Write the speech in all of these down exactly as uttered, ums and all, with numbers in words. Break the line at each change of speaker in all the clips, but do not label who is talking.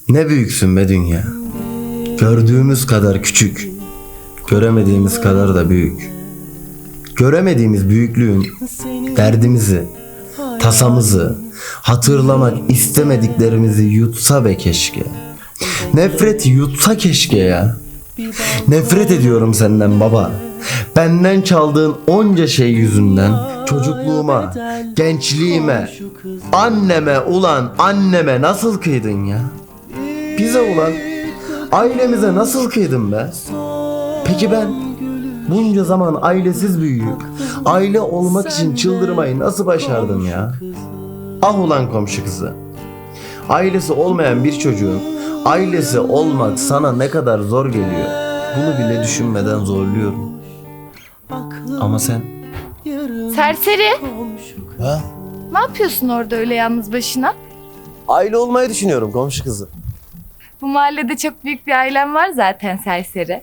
Ne büyüksün be dünya. Gördüğümüz kadar küçük, göremediğimiz kadar da büyük. Göremediğimiz büyüklüğün derdimizi, tasamızı, hatırlamak istemediklerimizi yutsa be keşke. Nefreti yutsa keşke ya. Nefret ediyorum senden baba. Benden çaldığın onca şey yüzünden çocukluğuma, gençliğime, anneme ulan anneme nasıl kıydın ya? Bize ulan ailemize nasıl kıydın be? Peki ben bunca zaman ailesiz büyüyüp aile olmak için çıldırmayı nasıl başardım ya? Ah ulan komşu kızı. Ailesi olmayan bir çocuğun ailesi olmak sana ne kadar zor geliyor. Bunu bile düşünmeden zorluyorum. Ama sen...
Serseri,
Ha?
ne yapıyorsun orada öyle yalnız başına?
Aile olmayı düşünüyorum komşu kızı.
Bu mahallede çok büyük bir ailem var zaten serseri.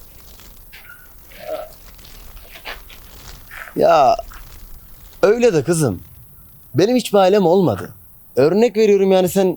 Ya öyle de kızım. Benim hiçbir ailem olmadı. Örnek veriyorum yani sen...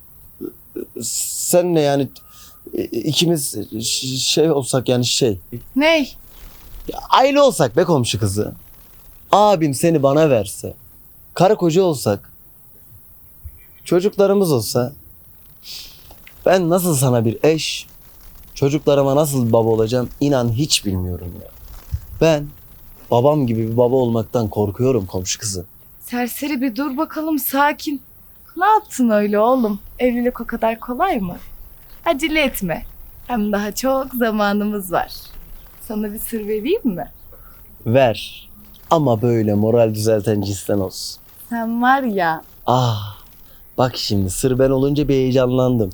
Senle yani ikimiz şey olsak yani şey...
Ney?
Ya aile olsak be komşu kızı. Abim seni bana verse. Karı koca olsak. Çocuklarımız olsa. Ben nasıl sana bir eş, çocuklarıma nasıl bir baba olacağım inan hiç bilmiyorum ya. Ben babam gibi bir baba olmaktan korkuyorum komşu kızı.
Serseri bir dur bakalım sakin. Ne yaptın öyle oğlum? Evlilik o kadar kolay mı? Acele etme. Hem daha çok zamanımız var. Sana bir sır vereyim mi?
Ver. Ama böyle moral düzelten cinsten olsun.
Sen var ya,
Ah. Bak şimdi sır ben olunca bir heyecanlandım.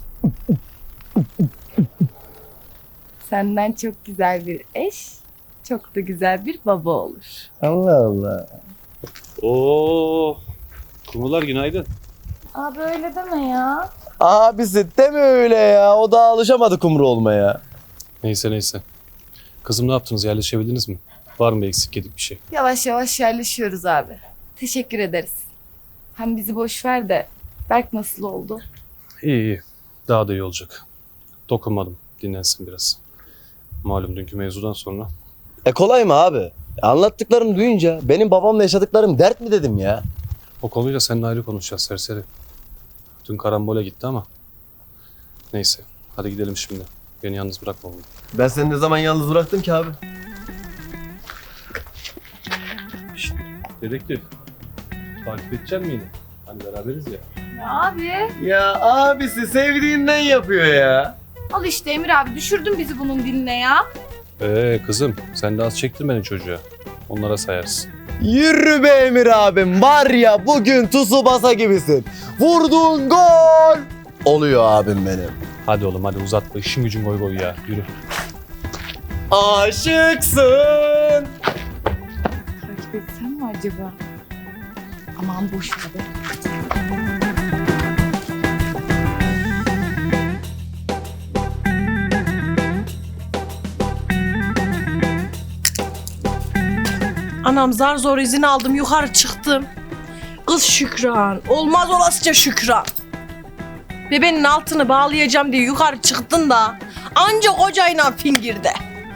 senden çok güzel bir eş, çok da güzel bir baba olur.
Allah Allah.
Oo, kumrular günaydın.
Abi öyle deme ya.
Abisi deme öyle ya. O da alışamadı kumru olmaya.
Neyse neyse. Kızım ne yaptınız? Yerleşebildiniz mi? Var mı eksik yedik bir şey?
Yavaş yavaş yerleşiyoruz abi. Teşekkür ederiz. Hem bizi boş ver de Berk nasıl oldu?
İyi iyi. Daha da iyi olacak. Dokunmadım. Dinlensin biraz. Malum dünkü mevzudan sonra.
E kolay mı abi? Anlattıklarını duyunca benim babamla yaşadıklarım dert mi dedim ya.
O konuyla seninle ayrı konuşacağız serseri. Dün karambole gitti ama. Neyse. Hadi gidelim şimdi. Beni yalnız bırakma oğlum.
Ben seni ne zaman yalnız bıraktım ki abi?
Şşt, dedektif. Takip edecek misin yine? Hani beraberiz ya.
Ya abi.
Ya abisi sevdiğinden yapıyor ya.
Al işte Emir abi düşürdün bizi bunun diline ya.
Ee kızım sen de az çektin beni çocuğa. Onlara sayarsın.
Yürü be Emir abim. Var ya bugün Tsubasa gibisin. Vurduğun gol. Oluyor abim benim.
Hadi oğlum hadi uzatma. İşin gücün goy goy ya. Yürü.
Aşıksın.
Takip etsem mi acaba? Aman boş ver.
Anam zar zor izin aldım yukarı çıktım. Kız Şükran. Olmaz olasıca Şükran. Bebenin altını bağlayacağım diye yukarı çıktın da anca kocayla fingirde.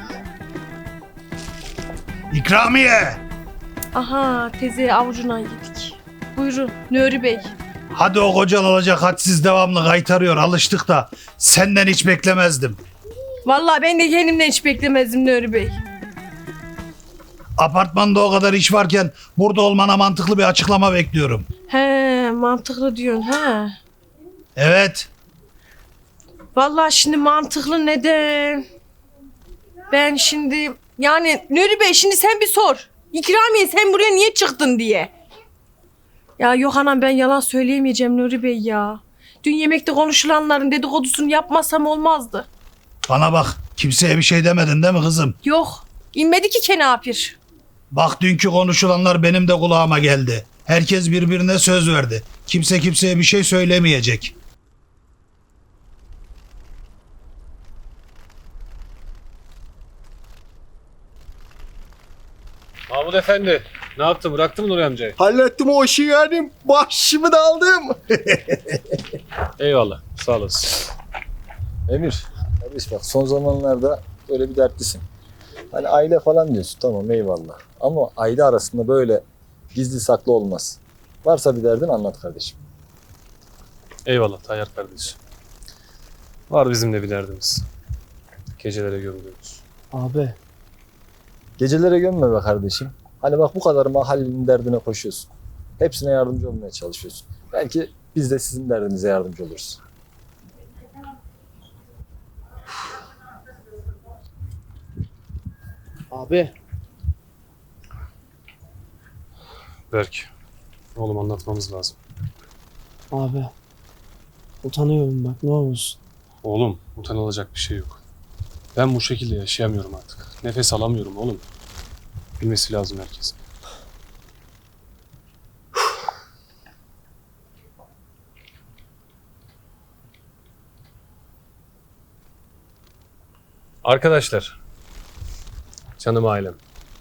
İkramiye!
Aha teyze avucuna yedik. Buyurun Nuri Bey.
Hadi o kocan olacak hadsiz devamlı kaytarıyor alıştık da senden hiç beklemezdim.
Vallahi ben de kendimden hiç beklemezdim Nuri Bey.
Apartmanda o kadar iş varken burada olmana mantıklı bir açıklama bekliyorum.
He mantıklı diyorsun he.
Evet.
Vallahi şimdi mantıklı neden? Ben şimdi yani Nuri Bey şimdi sen bir sor. İkramiye sen buraya niye çıktın diye. Ya yok anam ben yalan söyleyemeyeceğim Nuri Bey ya. Dün yemekte konuşulanların dedikodusunu yapmasam olmazdı.
Bana bak kimseye bir şey demedin değil mi kızım?
Yok inmedi ki kenapir.
Bak dünkü konuşulanlar benim de kulağıma geldi. Herkes birbirine söz verdi. Kimse kimseye bir şey söylemeyecek.
Mahmut Efendi ne yaptın? Bıraktın mı Nuri amcayı?
Hallettim o işi yani. Başımı da aldım.
Eyvallah. Sağ olasın.
Emir, kardeş bak son zamanlarda böyle bir dertlisin. Hani aile falan diyorsun, tamam eyvallah. Ama aile arasında böyle gizli saklı olmaz. Varsa bir derdin anlat kardeşim.
Eyvallah Tayyar kardeş. Var bizim de bir derdimiz. Gecelere gömülüyoruz.
Abi
Gecelere gömme be kardeşim. Hani bak bu kadar mahallenin derdine koşuyorsun. Hepsine yardımcı olmaya çalışıyorsun. Belki biz de sizin derdinize yardımcı oluruz.
abi
Berk, oğlum anlatmamız lazım.
abi utanıyorum bak ne olursun.
Oğlum, utanılacak bir şey yok. Ben bu şekilde yaşayamıyorum artık. Nefes alamıyorum oğlum. Bilmesi lazım herkesin. Arkadaşlar, canım ailem.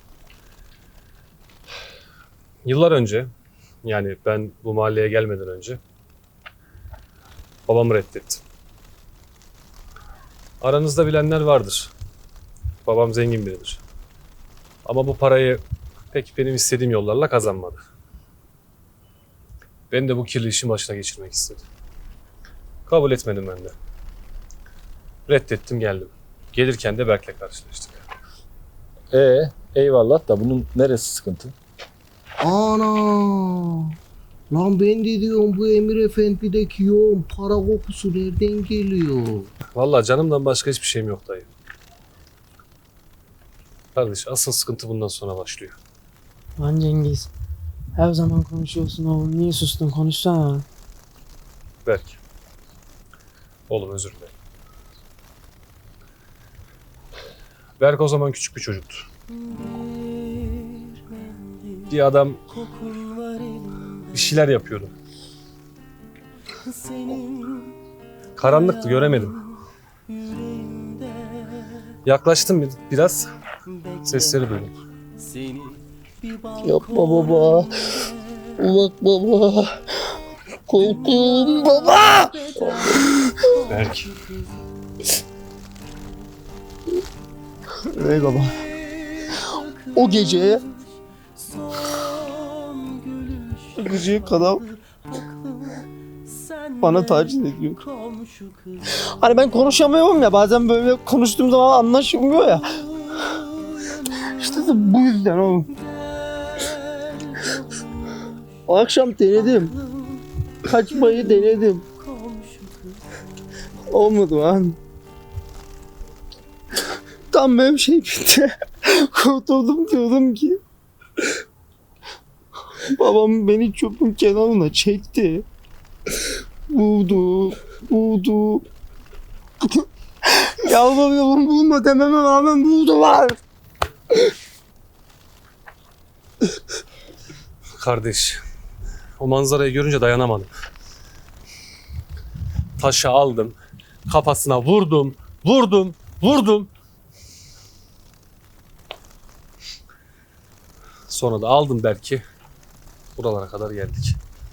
Yıllar önce, yani ben bu mahalleye gelmeden önce babamı reddettim. Aranızda bilenler vardır. Babam zengin biridir. Ama bu parayı pek benim istediğim yollarla kazanmadı. Beni de bu kirli işin başına geçirmek istedi. Kabul etmedim ben de. Reddettim geldim. Gelirken de Berk'le karşılaştık.
Ee, eyvallah da bunun neresi sıkıntı?
Ana! Lan ben de diyorum bu Emir Efendi'deki yoğun para kokusu nereden geliyor?
Vallahi canımdan başka hiçbir şeyim yok dayı. Kardeş asıl sıkıntı bundan sonra başlıyor.
Lan Cengiz her zaman konuşuyorsun oğlum niye sustun konuşsana.
Berk. Oğlum özür dilerim. Berk o zaman küçük bir çocuktu. Bir adam bir şeyler yapıyordu. Karanlıktı göremedim. Yaklaştım bir- biraz. Sesleri duydum.
Yapma baba. Bak baba. Korkuyorum baba.
Berk.
Ey baba. O gece gıcık adam bana taciz ediyor. Hani ben konuşamıyorum ya bazen böyle konuştuğum zaman anlaşılmıyor ya. İşte de bu yüzden oğlum. O akşam denedim. Kaçmayı denedim. Olmadı lan. Tam benim şey bitti. Kurtuldum diyordum ki. Babam beni çöpün kenarına çekti. Buldu, buldu. Yalvarıyorum bulma dememe rağmen buldular.
Kardeş. O manzarayı görünce dayanamadım. Taşı aldım. Kafasına vurdum. Vurdum. Vurdum. Sonra da aldım belki. Buralara kadar geldik.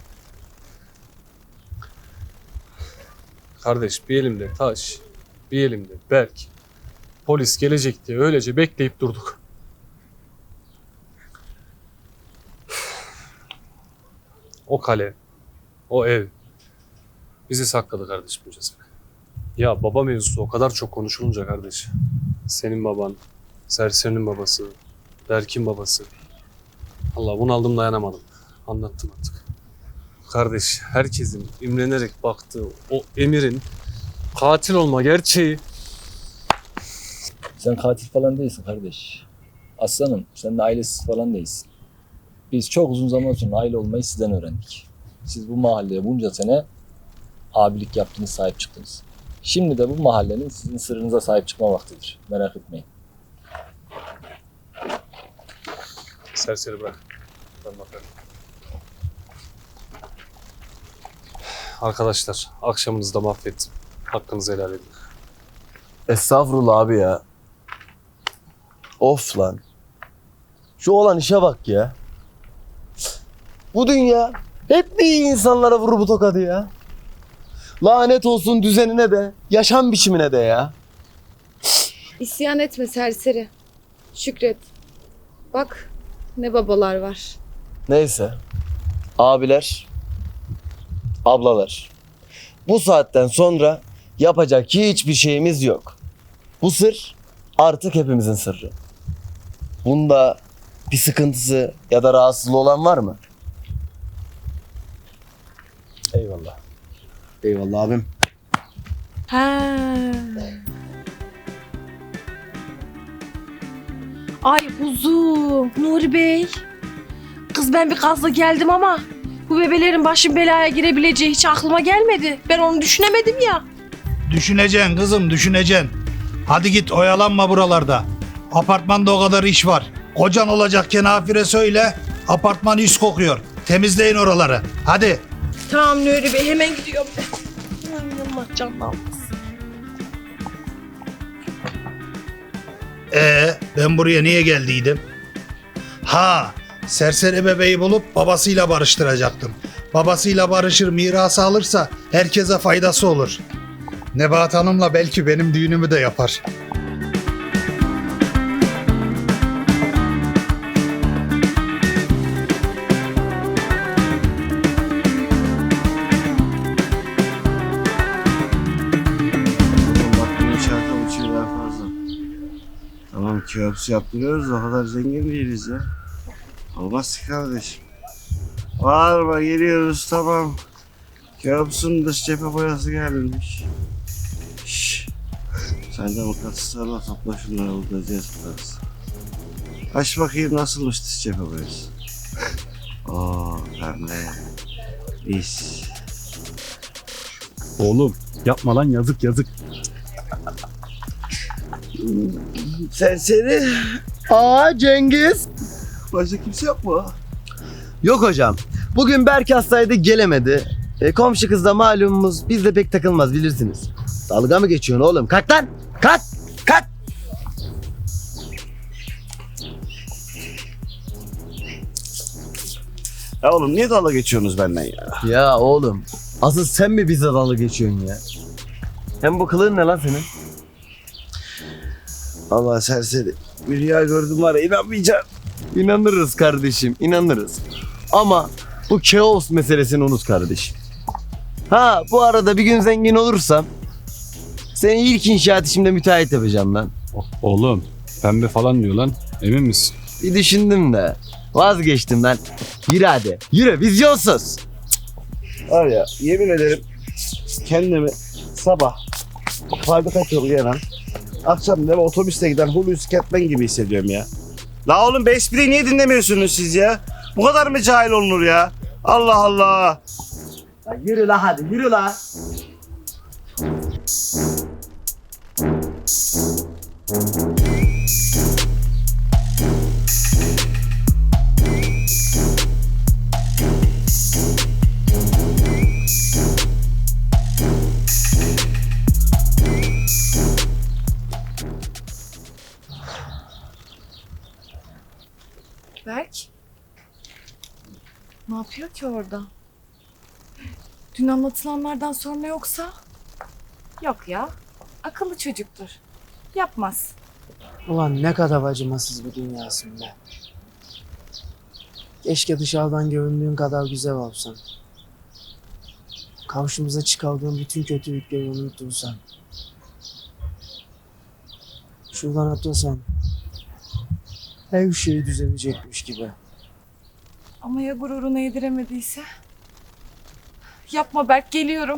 Kardeş bir elimde taş, bir elimde Berk. Polis gelecek diye öylece bekleyip durduk. O kale, o ev bizi sakladı kardeşim bu cezbe. Ya baba mevzusu o kadar çok konuşulunca kardeş. Senin baban, Serserinin babası, Berk'in babası. Allah bunaldım dayanamadım. Anlattım artık. Kardeş herkesin imrenerek baktığı o Emir'in katil olma gerçeği.
Sen katil falan değilsin kardeş. Aslanım sen de ailesiz falan değilsin. Biz çok uzun zaman sonra aile olmayı sizden öğrendik. Siz bu mahalleye bunca sene abilik yaptınız, sahip çıktınız. Şimdi de bu mahallenin sizin sırrınıza sahip çıkma vaktidir. Merak etmeyin.
Serseri bırak. Ben bakarım. Arkadaşlar akşamınızı da mahvettim. Hakkınızı helal edin.
Estağfurullah abi ya. Of lan. Şu olan işe bak ya. Bu dünya hep mi iyi insanlara vurur bu tokadı ya? Lanet olsun düzenine de, yaşam biçimine de ya.
İsyan etme serseri. Şükret. Bak ne babalar var.
Neyse. Abiler, ablalar. Bu saatten sonra yapacak hiçbir şeyimiz yok. Bu sır artık hepimizin sırrı. Bunda bir sıkıntısı ya da rahatsızlığı olan var mı? Eyvallah. Eyvallah abim.
Ha. Ay kuzum, Nuri Bey. Kız ben bir gazla geldim ama bu bebelerin başın belaya girebileceği hiç aklıma gelmedi. Ben onu düşünemedim ya.
Düşüneceksin kızım, düşüneceksin. Hadi git oyalanma buralarda. Apartmanda o kadar iş var. Kocan olacak kenafire söyle. Apartman üst kokuyor. Temizleyin oraları. Hadi.
Tamam Nuri Bey, hemen gidiyorum ben. Ay Allah canını almasın.
Ee, ben buraya niye geldiydim? Ha, serseri bebeği bulup babasıyla barıştıracaktım. Babasıyla barışır, mirası alırsa herkese faydası olur. Nebahat Hanım'la belki benim düğünümü de yapar.
Bak bunu şarkı uçuyor daha fazla. Tamam kebapçı yaptırıyoruz o kadar zengin değiliz ya. Olmaz ki kardeşim. Bağırma geliyoruz tamam. Kebapçının dış cephe boyası gelmiş. Şşş. Sen de mıknatıslarla topla şunları bulacağız biraz. Aç bakayım nasılmış dış cephe boyası. Oo pembe. İş.
Oğlum yapma lan yazık yazık.
Serseri.
Aa Cengiz.
Başka kimse yok mu?
Yok hocam. Bugün Berk hastaydı gelemedi. E, komşu kız da malumumuz biz de pek takılmaz bilirsiniz. Dalga mı geçiyorsun oğlum? Kalk lan! Kalk! Kalk!
Ya oğlum niye dalga geçiyorsunuz benden ya?
Ya oğlum asıl sen mi bize dalga geçiyorsun ya? Hem bu kılığın ne lan senin?
Allah serseri. Bir rüya gördüm var ya inanmayacağım.
İnanırız kardeşim inanırız. Ama bu kaos meselesini unut kardeşim. Ha bu arada bir gün zengin olursam seni ilk inşaat işimde müteahhit yapacağım lan.
Oğlum pembe falan diyor lan. Emin misin?
Bir düşündüm de vazgeçtim lan. Yürü hadi yürü vizyonsuz.
Var ya yemin ederim kendimi sabah fabrika yolu gelen akşam da otobüste giden Hulusi Kentmen gibi hissediyorum ya. La oğlum bu espriyi niye dinlemiyorsunuz siz ya? Bu kadar mı cahil olunur ya? Allah Allah.
Ya yürü la hadi yürü la.
Berk. Ne yapıyor ki orada? Dün anlatılanlardan sonra yoksa? Yok ya. Akıllı çocuktur. Yapmaz.
Ulan ne kadar acımasız bir dünyasın be. Keşke dışarıdan göründüğün kadar güzel olsan. Karşımıza çıkardığın bütün kötülükleri unutursan. Şuradan atlasan. Her şey düzelecekmiş gibi.
Ama ya gururunu yediremediyse? Yapma Berk, geliyorum.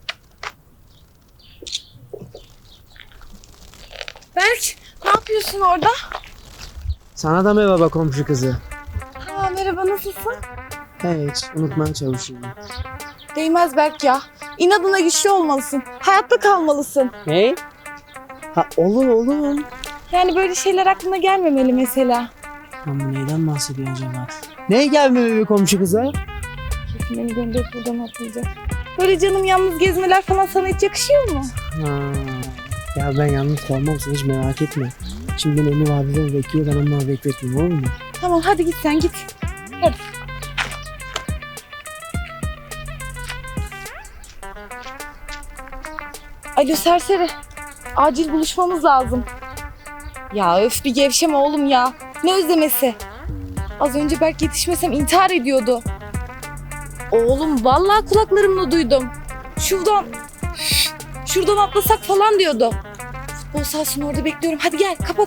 Berk, ne yapıyorsun orada?
Sana da merhaba komşu kızı.
Ha, merhaba, nasılsın?
Hiç unutmaya çalışıyorum.
Değmez Berk ya. İnadına güçlü olmalısın. Hayatta kalmalısın.
Ne? Ha olur olur.
Yani böyle şeyler aklına gelmemeli mesela.
Lan bu neyden bahsediyor acaba? Ne gelmiyor komşu kıza?
Kesin beni gönderip buradan atlayacak. Böyle canım yalnız gezmeler falan sana hiç yakışıyor mu?
Ha. Ya ben yalnız kalmam sen hiç merak etme. Şimdi beni vadiden bekliyor ben onları bekletmeyeyim olur mu?
Tamam, hadi git sen git. Hadi. Alo serseri. Acil buluşmamız lazım. Ya öf bir gevşeme oğlum ya. Ne özlemesi? Az önce Berk yetişmesem intihar ediyordu. Oğlum vallahi kulaklarımla duydum. Şuradan, şuradan atlasak falan diyordu. Futbol sahasının orada bekliyorum. Hadi gel kapat.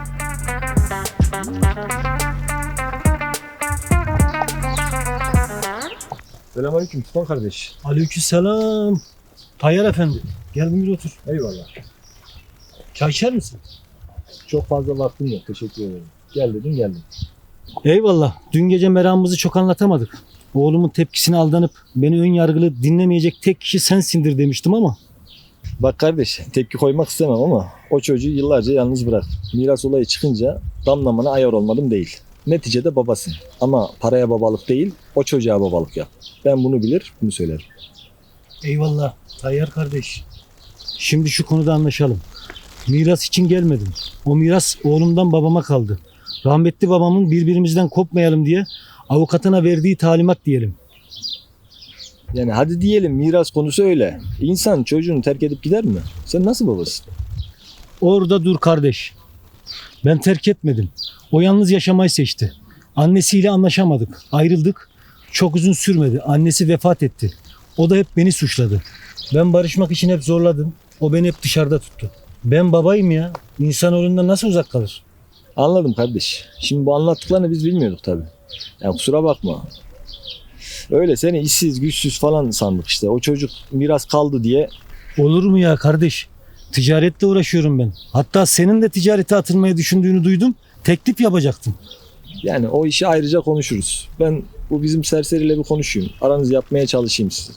Selamünaleyküm Tufan kardeş.
Aleykümselam. Tayyar efendi. Gel buyur otur.
Eyvallah.
Çay içer misin?
Çok fazla vaktim yok. Teşekkür ederim. Gel dedim geldim.
Eyvallah. Dün gece meramımızı çok anlatamadık. Oğlumun tepkisine aldanıp beni ön yargılı dinlemeyecek tek kişi sensindir demiştim ama.
Bak kardeş, tepki koymak istemem ama o çocuğu yıllarca yalnız bırak. Miras olayı çıkınca damlamana ayar olmadım değil. Neticede babasın. Ama paraya babalık değil, o çocuğa babalık yap. Ben bunu bilir, bunu söylerim.
Eyvallah Tayyar kardeş. Şimdi şu konuda anlaşalım. Miras için gelmedim. O miras oğlumdan babama kaldı. Rahmetli babamın birbirimizden kopmayalım diye avukatına verdiği talimat diyelim.
Yani hadi diyelim miras konusu öyle. İnsan çocuğunu terk edip gider mi? Sen nasıl babasın?
Orada dur kardeş. Ben terk etmedim. O yalnız yaşamayı seçti. Annesiyle anlaşamadık. Ayrıldık. Çok uzun sürmedi. Annesi vefat etti. O da hep beni suçladı. Ben barışmak için hep zorladım. O beni hep dışarıda tuttu. Ben babayım ya. İnsanoğlundan nasıl uzak kalır?
Anladım kardeş. Şimdi bu anlattıklarını biz bilmiyorduk tabii. Yani kusura bakma. Öyle seni işsiz, güçsüz falan sandık işte. O çocuk miras kaldı diye.
Olur mu ya kardeş? Ticaretle uğraşıyorum ben. Hatta senin de ticarete atılmayı düşündüğünü duydum. Teklif yapacaktım.
Yani o işi ayrıca konuşuruz. Ben bu bizim serseriyle bir konuşayım. Aranızı yapmaya çalışayım size.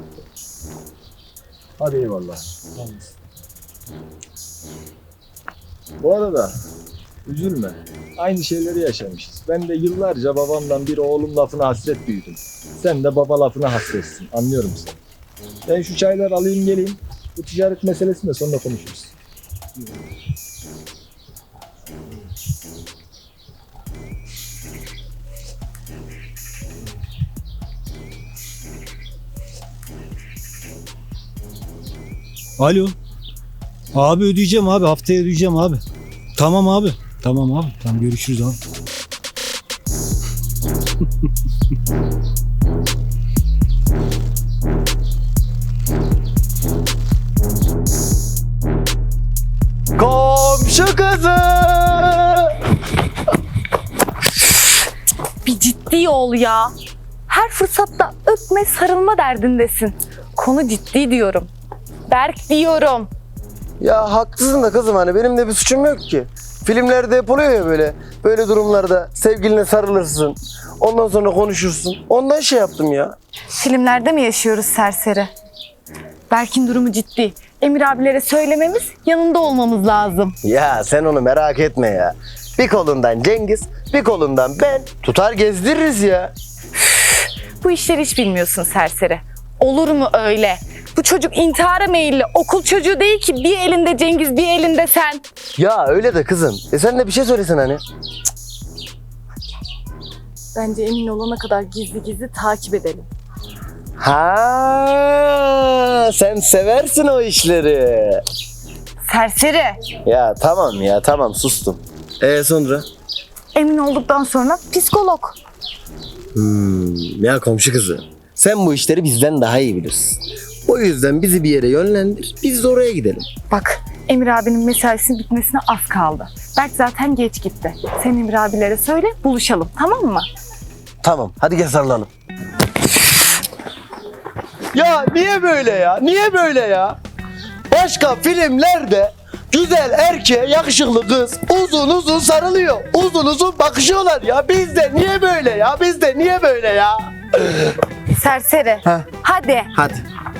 Hadi eyvallah. Bu arada üzülme. Aynı şeyleri yaşamışız. Ben de yıllarca babamdan bir oğlum lafına hasret büyüdüm. Sen de baba lafına hasretsin. Anlıyorum seni. Ben şu çayları alayım geleyim. Bu ticaret meselesini de sonra konuşuruz.
Alo. Abi ödeyeceğim abi. Haftaya ödeyeceğim abi. Tamam abi. Tamam abi. Tamam görüşürüz abi.
Komşu kızı.
Bir ciddi ol ya. Her fırsatta öpme sarılma derdindesin. Konu ciddi diyorum. Berk diyorum.
Ya haklısın da kızım, hani benim de bir suçum yok ki. Filmlerde hep oluyor ya böyle. Böyle durumlarda sevgiline sarılırsın. Ondan sonra konuşursun. Ondan şey yaptım ya.
Filmlerde mi yaşıyoruz serseri? Berk'in durumu ciddi. Emir abilere söylememiz, yanında olmamız lazım.
Ya sen onu merak etme ya. Bir kolundan Cengiz, bir kolundan ben. Tutar gezdiririz ya.
Bu işleri hiç bilmiyorsun serseri. Olur mu öyle? Bu çocuk intihara meyilli. Okul çocuğu değil ki. Bir elinde Cengiz, bir elinde sen.
Ya öyle de kızım. E sen de bir şey söylesen hani.
Bence emin olana kadar gizli gizli takip edelim.
Ha, sen seversin o işleri.
Serseri.
Ya tamam ya tamam sustum. E sonra?
Emin olduktan sonra psikolog.
Hmm, ya komşu kızı. Sen bu işleri bizden daha iyi bilirsin. O yüzden bizi bir yere yönlendir. Biz de oraya gidelim.
Bak Emir abinin mesaisinin bitmesine az kaldı. Berk zaten geç gitti. Sen Emir abilere söyle buluşalım, tamam mı?
Tamam hadi gel sarılalım. Ya niye böyle ya? Niye böyle ya? Başka filmlerde güzel erkeğe yakışıklı kız uzun uzun sarılıyor. Uzun uzun bakışıyorlar ya. Bizde niye böyle ya? Bizde niye böyle ya?
Serseri.
Heh.
Hadi.
Hadi.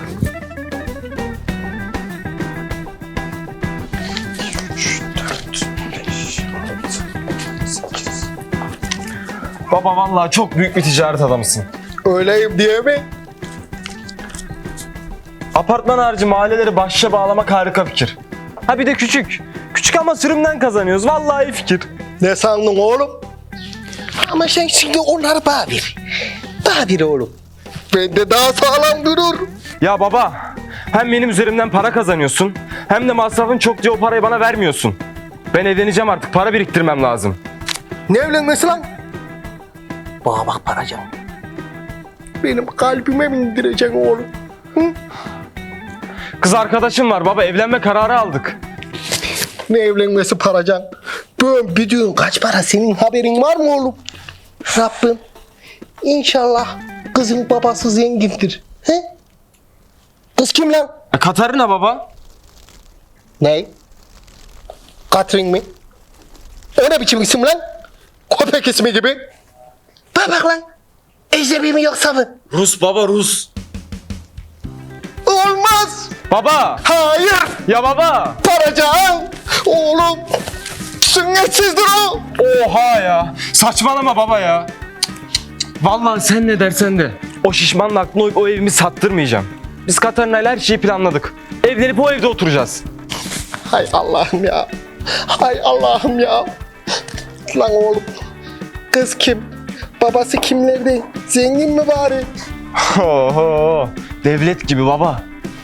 Baba vallahi çok büyük bir ticaret adamısın.
Öyleyim diye mi?
Apartman harici mahalleleri başa bağlamak harika fikir. Ha bir de küçük. Küçük ama sürümden kazanıyoruz. Vallahi iyi fikir.
Ne sandın oğlum? Ama sen şimdi onları bana bir. Bana bir oğlum. Ben de daha sağlam durur.
Ya baba, Hem benim üzerimden para kazanıyorsun, hem de masrafın çok diye o parayı bana vermiyorsun. Ben evleneceğim artık, para biriktirmem lazım.
Ne evlenmesi lan? Bana bak Paracan. Benim kalbime mi indireceksin oğlum? Hı?
Kız arkadaşım var baba, evlenme kararı aldık.
Ne evlenmesi Paracan? Ben bir düğün kaç para, senin haberin var mı oğlum? Rabbim İnşallah kızın babası zengindir. He? Kız kim lan?
E, Katarina baba.
Ne? Katrin mi? O ne biçim isim lan? Köpek ismi gibi. Bak bak lan. Ecnebi mi yoksa mı?
Rus baba, Rus.
Olmaz.
Baba.
Hayır.
Ya baba.
Paracan. Oğlum. Sünnetsizdir o.
Oha ya. Saçmalama baba ya. Vallahi sen ne dersen de. O şişmanla aklına uyup o evimi sattırmayacağım. Biz Katarina'yla her şeyi planladık. Evlenip o evde oturacağız.
Hay Allah'ım ya. Hay Allah'ım ya. Lan oğlum. Kız kim? Babası kimlerdi? Zengin mi bari?
Oho. Devlet gibi baba.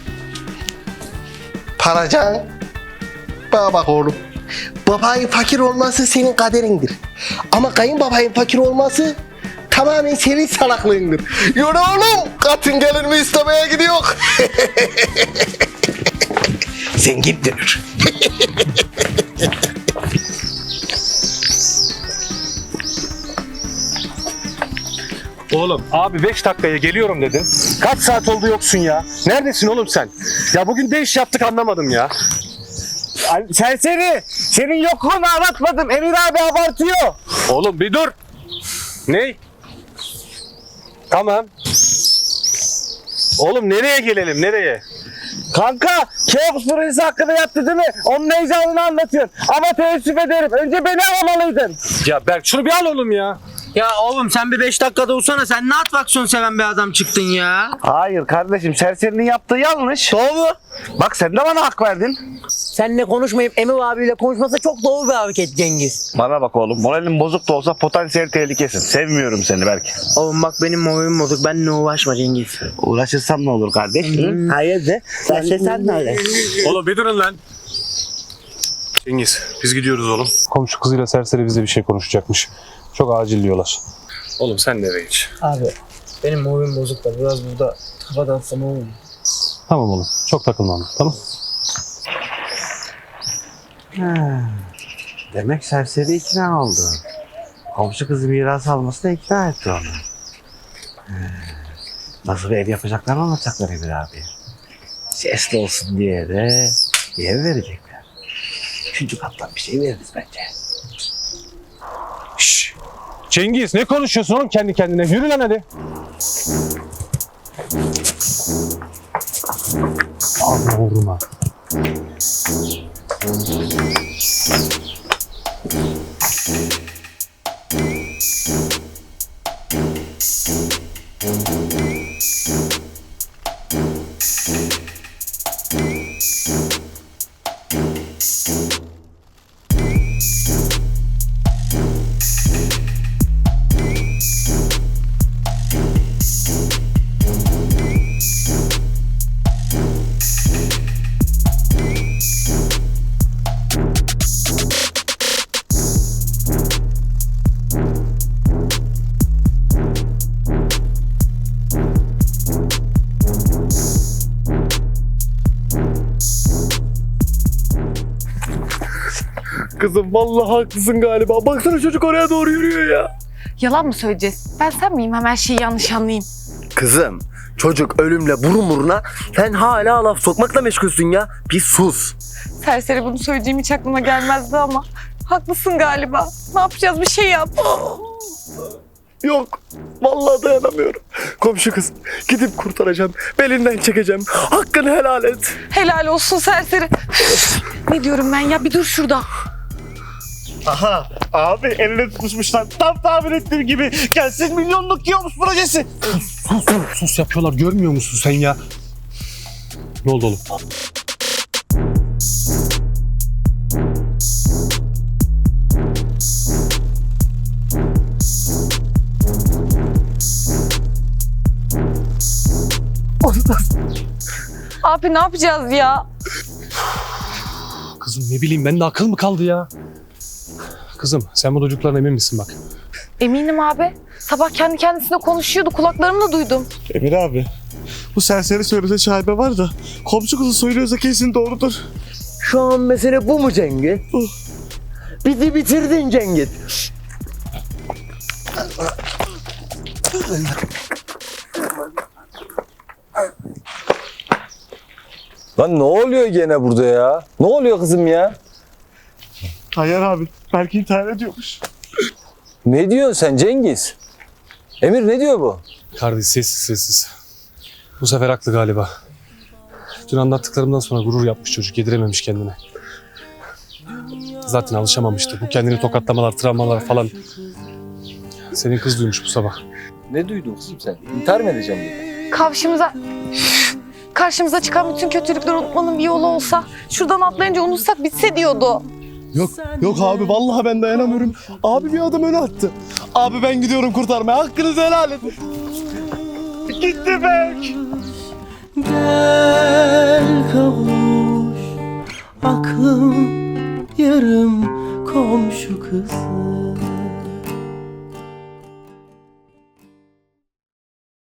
Paracan. Bana bak oğlum. Babanın fakir olması senin kaderindir. Ama kayınbabanın fakir olması tamamen senin salaklığındır. Yürü oğlum. Katın gelir mi istemeye gidiyor. Zengin dönür.
Oğlum abi beş dakikaya geliyorum dedin. Kaç saat oldu yoksun ya? Neredesin oğlum sen? Ya bugün ne iş yaptık anlamadım ya.
Serseri. Senin yokluğunu anlatmadım. Emir abi abartıyor.
Oğlum bir dur. Ne? Tamam. Oğlum nereye gelelim nereye?
Kanka, Keops projesi hakkında yaptı değil mi? Onun heyecanını anlatıyorsun. Ama teessüf ederim. Önce beni alamalıydın.
Ya Berk şunu bir al oğlum ya.
Ya oğlum sen bir beş dakikada ursana. Sen ne attraksiyon seven bir adam çıktın ya.
Hayır kardeşim, serserinin yaptığı yanlış.
Doğru.
Bak sen de bana hak verdin.
Seninle konuşmayıp Emir abiyle konuşması çok doğru bir hareket Cengiz.
Bana bak oğlum, moralin bozuk da olsa potansiyel tehlikesin. Sevmiyorum seni belki.
Oğlum bak benim moralim bozuk. Benimle uğraşma Cengiz.
Uğraşırsam ne olur kardeş? Hı?
Hayır de. Sen sen, sen de öyle.
Oğlum bir durun lan. Cengiz biz gidiyoruz oğlum. Komşu kızıyla serseri bize bir şey konuşacakmış. Çok acil diyorlar. Oğlum sen de eve geç.
Abi benim moralim bozuk da biraz burada kafa dağıtsam olur mu?
Tamam oğlum. Çok takılma ama, tamam.
Ha, demek serseri ikna oldu. Komşu kızı miras almasına ikna etti onu. Ha, nasıl bir ev yapacaklar anlatacaklar Emir abi. Sesli olsun diye de bir ev verecekler. Üçüncü kattan bir şey veririz bence.
Şşş. Cengiz ne konuşuyorsun oğlum kendi kendine? Yürü lan hadi. Allah uğruna.
Kızım vallahi haklısın galiba. Baksana çocuk oraya doğru yürüyor ya.
Yalan mı söyleyeceğiz? Ben sen miyim? Hemen şeyi yanlış anlayayım.
Kızım, çocuk ölümle burun buruna, sen hala laf sokmakla meşgulsün ya. Bir sus.
Serseri bunu söyleyeceğim hiç aklıma gelmezdi ama. Haklısın galiba. Ne yapacağız? Bir şey yap.
Yok. Vallahi dayanamıyorum. Komşu kız. Gidip kurtaracağım. Belinden çekeceğim. Hakkını helal et.
Helal olsun serseri. Ne diyorum ben ya? Bir dur şurada.
Aha abi eline tutmuşlar. Tam tahmin ettiğim gibi. Gelsin milyonluk Keops projesi.
Sus sus sus yapıyorlar görmüyor musun sen ya? Ne oldu oğlum?
Abi ne yapacağız ya?
Kızım ne bileyim bende akıl mı kaldı ya? Kızım sen bu çocuklarına emin misin bak?
Eminim abi. Sabah kendi kendisine konuşuyordu. Kulaklarımla duydum.
Emir abi, bu serseri söylese şaibe var da komşu kızı söylüyorsa kesin doğrudur.
Şu an mesele bu mu Cengiz? Bizi bitirdin Cengiz. Lan ne oluyor gene burada ya? Ne oluyor kızım ya?
Tayyar abi, belki intihar ediyormuş.
Ne diyorsun sen Cengiz? Emir ne diyor bu?
Kardeş sessiz sessiz. Bu sefer haklı galiba. Dün anlattıklarımdan sonra gurur yapmış çocuk, yedirememiş kendine. Zaten alışamamıştı. Bu kendini tokatlamalar, travmalar falan. Senin kız duymuş bu sabah.
Ne duydun kızım sen? İntihar mı edeceğim dedi.
Karşımıza... Karşımıza çıkan bütün kötülükleri unutmanın bir yolu olsa, şuradan atlayınca unutsak bitse diyordu.
Yok, yok abi vallahi ben dayanamıyorum. Abi bir adım öne attı. Abi ben gidiyorum kurtarmaya. Hakkınızı helal edin. Gitti bek.
Gel kavuş aklım yarım komşu kızı.